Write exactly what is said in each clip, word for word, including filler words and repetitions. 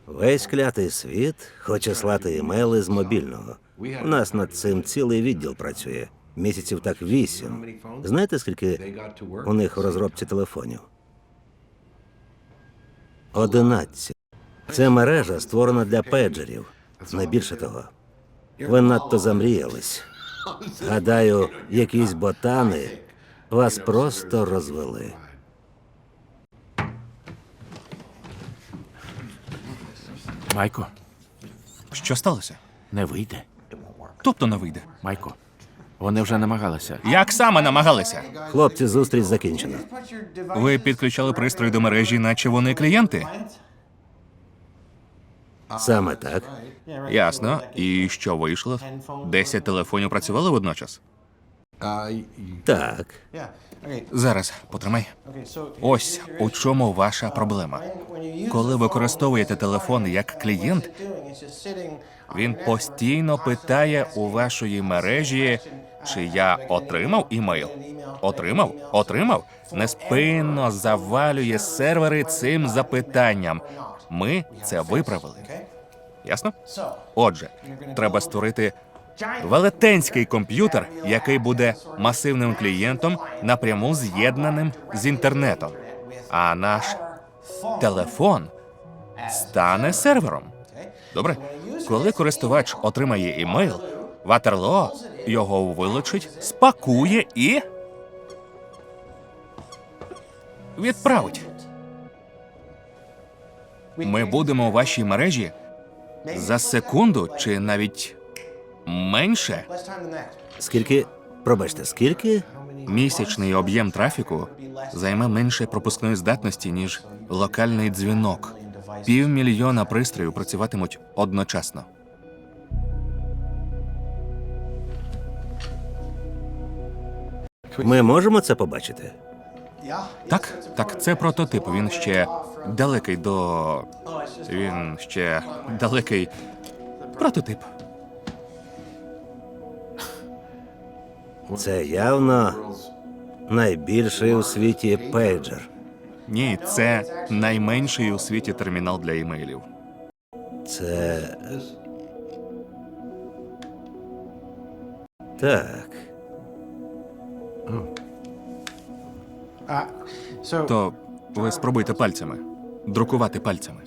Весь клятий світ хоче слати імейли з мобільного. У нас над цим цілий відділ працює. Місяців так вісім. Знаєте, скільки у них в розробці телефонів? Одинадцять. Це мережа створена для пейджерів. Найбільше того. Ви надто замріялись. Гадаю, якісь ботани вас просто розвели. Майко, Що сталося? не вийде. Тобто не вийде. Майко, вони вже намагалися. Як саме намагалися? Хлопці, зустріч закінчена. Ви підключали пристрої до мережі, наче вони клієнти? Саме так. Ясно. І що вийшло? Десять телефонів працювали водночас? Так. Зараз, потримай. Ось у чому ваша проблема. Коли використовуєте телефон як клієнт, він постійно питає у вашої мережі, чи я отримав імейл. Отримав? Отримав? Неспинно завалює сервери цим запитанням. Ми це виправили. Ясно? Отже, треба створити велетенський комп'ютер, який буде масивним клієнтом, напряму з'єднаним з інтернетом. А наш телефон стане сервером. Добре? Коли користувач отримає імейл, Ватерлоо його вилучить, спакує і відправить. Ми будемо у вашій мережі за секунду чи навіть менше. Скільки, пробачте, скільки? Місячний об'єм трафіку займе менше пропускної здатності, ніж локальний дзвінок. Півмільйона пристроїв працюватимуть одночасно. Ми можемо це побачити? Так, так, це прототип. Він ще далекий до... Він ще далекий прототип. Це явно найбільший у світі пейджер. Ні, це найменший у світі термінал для імейлів. Це... Так. То ви спробуйте пальцями. Друкувати пальцями.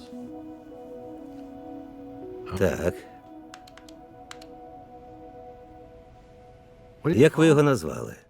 Так. Як ви його назвали?